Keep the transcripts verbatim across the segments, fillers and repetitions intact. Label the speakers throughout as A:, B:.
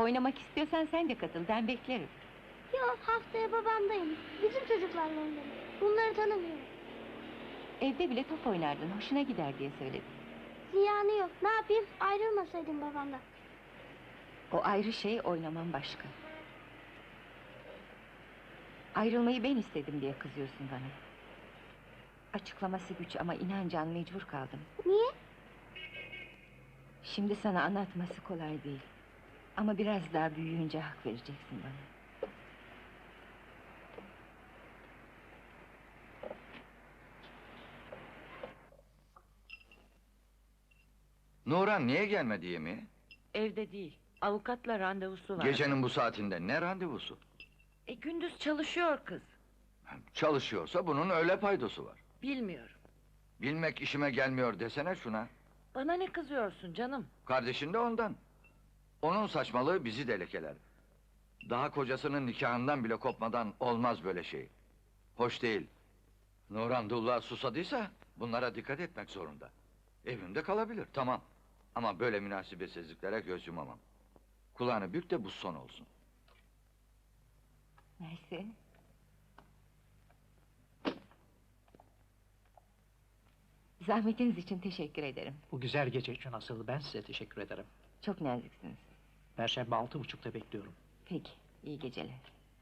A: Oynamak istiyorsan sen de katıl, ben beklerim.
B: Yok, haftaya babamdayım. Bizim çocuklarla oynarım. Bunları tanımıyorum.
A: Evde bile top oynardın, hoşuna gider diye söyledim.
B: Ziyanı yok, ne yapayım? Ayrılmasaydım babamdan.
A: O ayrı şey, oynaman başka. Ayrılmayı ben istedim diye kızıyorsun bana. Açıklaması güç ama inan Can, mecbur kaldım.
B: Niye?
A: Şimdi sana anlatması kolay değil. Ama biraz daha büyüyünce hak vereceksin bana.
C: Nuran niye gelmedi yemeğe?
D: Evde değil, avukatla randevusu var.
C: Gecenin bu saatinde ne randevusu?
D: E gündüz çalışıyor kız.
C: Çalışıyorsa bunun öyle paydosu var.
D: Bilmiyorum.
C: Bilmek işime gelmiyor desene şuna.
D: Bana ne kızıyorsun canım?
C: Kardeşin de ondan. Onun saçmalığı bizi de lekeler. Daha kocasının nikahından bile kopmadan olmaz böyle şey. Hoş değil. Nuran Dullah susadıysa bunlara dikkat etmek zorunda. Evimde kalabilir, tamam. Ama böyle münasebetsizliklere göz yumamam. Kulağını bük de bu son olsun.
A: Neyse. Zahmetiniz için teşekkür ederim.
E: Bu güzel gece için asıl ben size teşekkür ederim.
A: Çok naziksiniz.
E: Perşembe altı buçukta bekliyorum.
A: Peki, iyi geceler.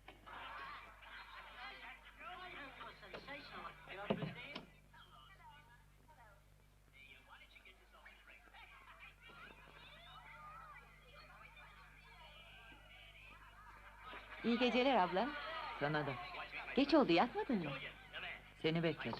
A: İyi geceler abla.
D: Sana da.
A: Geç oldu, yatmadın mı?
D: Seni bekledim.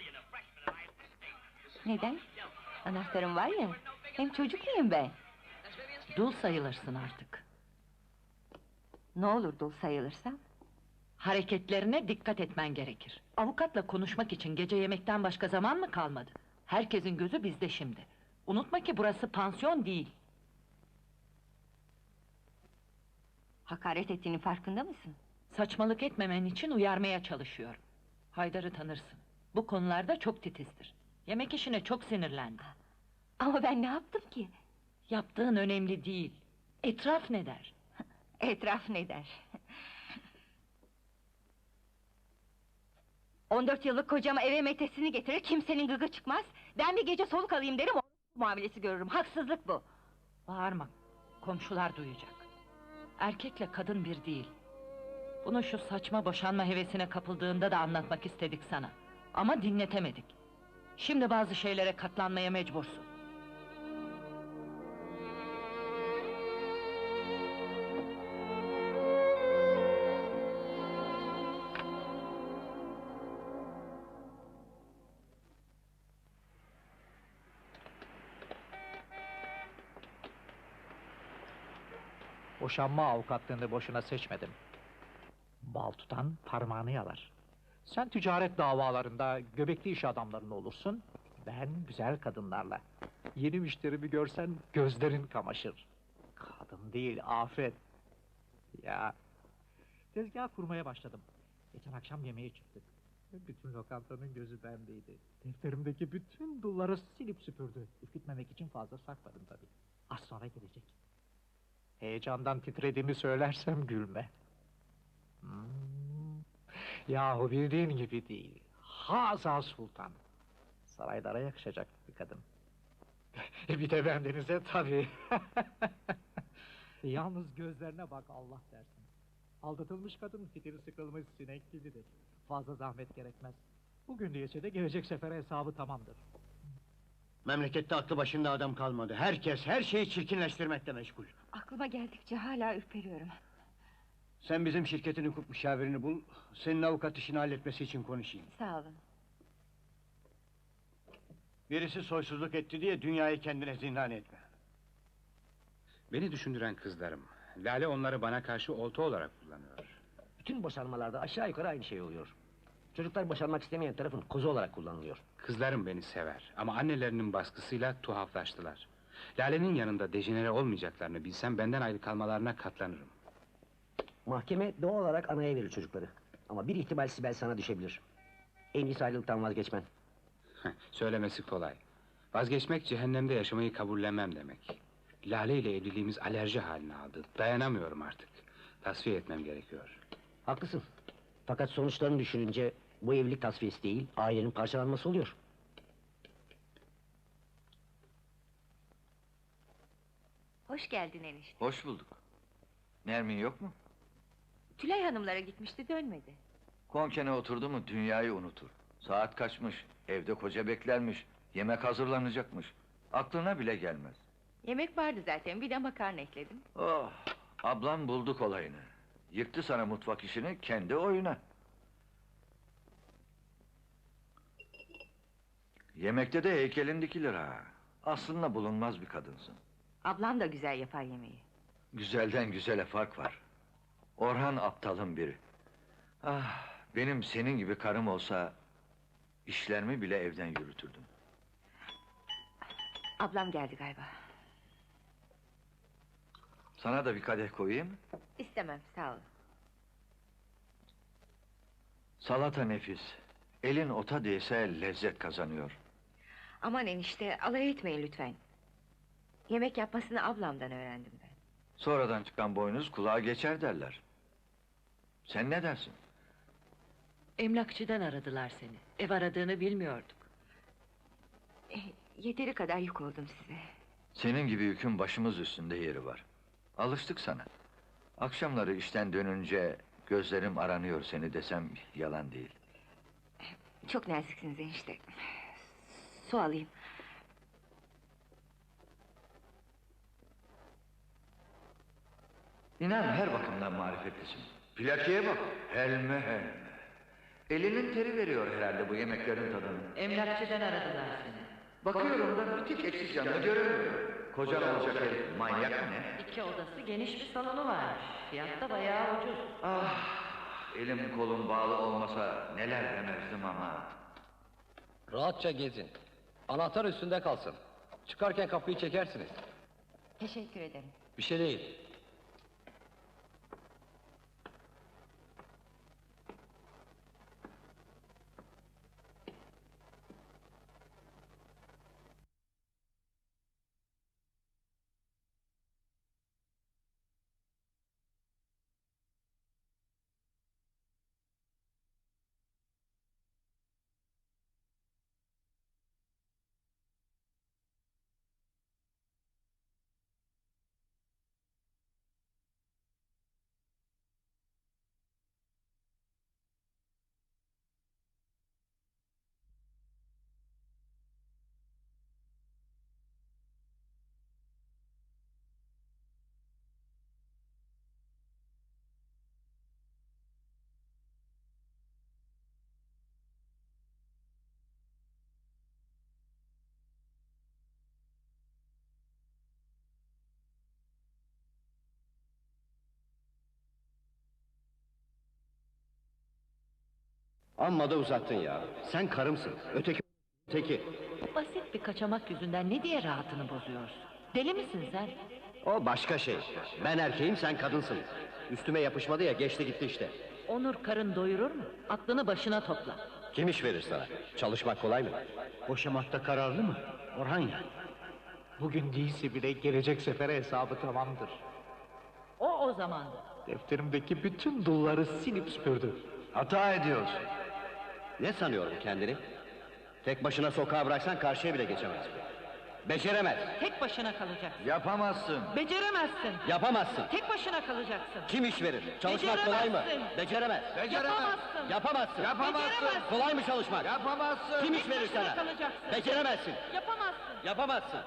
A: Neden? Anahtarım var ya. Hem çocuk muyum ben?
D: Dul sayılırsın artık.
A: Ne olur dul sayılırsam?
D: Hareketlerine dikkat etmen gerekir. Avukatla konuşmak için gece yemekten başka zaman mı kalmadı? Herkesin gözü bizde şimdi. Unutma ki burası pansiyon değil.
A: Hakaret ettiğinin farkında mısın?
D: Saçmalık etmemen için uyarmaya çalışıyorum. Haydar'ı tanırsın. Bu konularda çok titizdir. Yemek işine çok sinirlendi.
A: Ama ben ne yaptım ki?
D: Yaptığın önemli değil. Etraf ne der?
A: Etraf ne der? On dört yıllık kocama eve metesini getirir, kimsenin gıgı çıkmaz. Ben bir gece soluk alayım derim, o muamelesi görürüm. Haksızlık bu.
D: Bağırma, komşular duyacak. Erkekle kadın bir değil. Bunu şu saçma boşanma hevesine kapıldığında da anlatmak istedik sana. Ama dinletemedik. Şimdi bazı şeylere katlanmaya mecbursun.
E: Boşanma avukatlığını boşuna seçmedim. Bal tutan parmağını yalar. Sen ticaret davalarında göbekli iş adamlarında olursun. Ben güzel kadınlarla. Yeni müşterimi görsen gözlerin kamaşır. Kadın değil, afet. Ya, tezgah kurmaya başladım. Geçen akşam yemeğe çıktık. Bütün lokantanın gözü bendeydi. Defterimdeki bütün dulları silip süpürdü. Ürkütmemek için fazla sakladım tabii. Az sonra gelecek. Heyecandan titrediğimi söylersem gülme. Hmm. Yahu bildiğin gibi değil. Haza Sultan. Saraylara yakışacak bir kadın. Bir de bendenize tabii. Yalnız gözlerine bak, Allah dersin. Aldatılmış kadın fitili sıkılmış sinek gibidir. Fazla zahmet gerekmez. Bugün değilse de gelecek sefere hesabı tamamdır.
F: Memlekette aklı başında adam kalmadı. Herkes her şeyi çirkinleştirmekle meşgul.
A: Aklıma geldikçe hala ürperiyorum.
F: Sen bizim şirketin hukuk müşavirini bul. Senin avukat işini halletmesi için konuşayım.
A: Sağ olun.
F: Birisi soysuzluk etti diye dünyayı kendine zindan etme.
G: Beni düşündüren kızlarım. Lale onları bana karşı olta olarak kullanıyor.
H: Bütün boşanmalarda aşağı yukarı aynı şey oluyor. Çocuklar boşanmak istemeyen tarafın kozu olarak kullanılıyor.
G: Kızlarım beni sever ama annelerinin baskısıyla tuhaflaştılar. Lale'nin yanında dejenere olmayacaklarını bilsem benden ayrı kalmalarına katlanırım.
H: Mahkeme doğal olarak anaya verir çocukları. Ama bir ihtimal Sibel sana düşebilir. En iyisi ayrılıktan vazgeçmen.
G: Söylemesi kolay. Vazgeçmek cehennemde yaşamayı kabullenmem demek. Lale ile evliliğimiz alerji haline aldı. Dayanamıyorum artık. Tasfiye etmem gerekiyor.
H: Haklısın. Fakat sonuçlarını düşününce bu evlilik tasfiyesi değil, ailenin parçalanması oluyor.
A: Hoş geldin enişte.
C: Hoş bulduk. Nermin yok mu?
A: Tülay hanımlara gitmişti, dönmedi.
C: Konkene oturdu mu dünyayı unutur. Saat kaçmış, evde koca beklermiş, yemek hazırlanacakmış. Aklına bile gelmez.
A: Yemek vardı zaten, bir de makarna ekledim.
C: Oh, ablam bulduk olayını. Yıktı sana mutfak işini, kendi oyuna. Yemekte de heykelin dikilir ha. Aslında bulunmaz bir kadınsın.
A: Ablam da güzel yapar yemeği.
C: Güzelden güzele fark var. Orhan aptalın biri. Ah, benim senin gibi karım olsa... ...işlerimi bile evden yürütürdüm.
A: Ablam geldi galiba.
C: Sana da bir kadeh koyayım.
A: İstemem, sağ ol.
C: Salata nefis. Elin ota değse lezzet kazanıyor.
A: Aman enişte, alay etmeyin lütfen. Yemek yapmasını ablamdan öğrendim ben.
C: Sonradan çıkan boynuz kulağa geçer derler. Sen ne dersin?
D: Emlakçıdan aradılar seni. Ev aradığını bilmiyorduk.
A: Eh, yeteri kadar yük oldum size.
C: Senin gibi yükün başımız üstünde yeri var. Alıştık sana. Akşamları işten dönünce... ...gözlerim aranıyor seni desem yalan değil.
A: Çok naziksiniz enişte. Su alayım.
C: İnan her bakımdan marifetlisin. Plakeye bak, helme helme. Elinin teri veriyor herhalde bu yemeklerin tadını.
D: Emlakçıdan aradılar seni.
C: Bakıyorum da bir tek eksik yanını göremiyorum. Kocan olacak herif, manyak mı ne?
D: İki odası, geniş bir salonu varmış. Fiyat da bayağı ucuz.
C: Ah, elim kolum bağlı olmasa neler demezdim ama.
I: Rahatça gezin. Anahtar üstünde kalsın. Çıkarken kapıyı çekersiniz.
A: Teşekkür ederim.
I: Bir şey değil.
F: Amma da uzattın ya. Sen karımsın. Öteki öteki.
D: Basit bir kaçamak yüzünden ne diye rahatını bozuyorsun? Deli misin sen?
F: O başka şey. Ben erkeğim, sen kadınsın. Üstüme yapışmadı ya, geçti gitti işte.
D: Onur karın doyurur mu? Aklını başına topla.
F: Kim iş verir sana? Çalışmak kolay mı? Boşamakta kararlı mı? Orhan ya.
E: Bugün değilse bile gelecek sefere hesabı tamamdır.
D: O o zamandı.
E: Defterimdeki bütün dulları silip süpürdü.
F: Hata ediyorsun. Ne sanıyorum kendini? Tek başına sokağa bıraksan karşıya bile geçemez. Beceremez.
D: Tek başına kalacaksın.
C: Yapamazsın.
D: Beceremezsin.
F: Yapamazsın.
D: Tek başına kalacaksın.
F: Kim iş verir? Çalışmak kolay mı?
D: Beceremezsin.
F: Beceremez.
D: Yapamazsın.
F: Yapamazsın.
D: Beceremezsin.
F: Kolay mı çalışmak?
C: Yapamazsın.
F: Kim iş
D: Tek
F: verir
D: başına
F: sana?
D: kalacaksın.
F: Beceremezsin.
D: Yapamazsın.
F: Yapamazsın.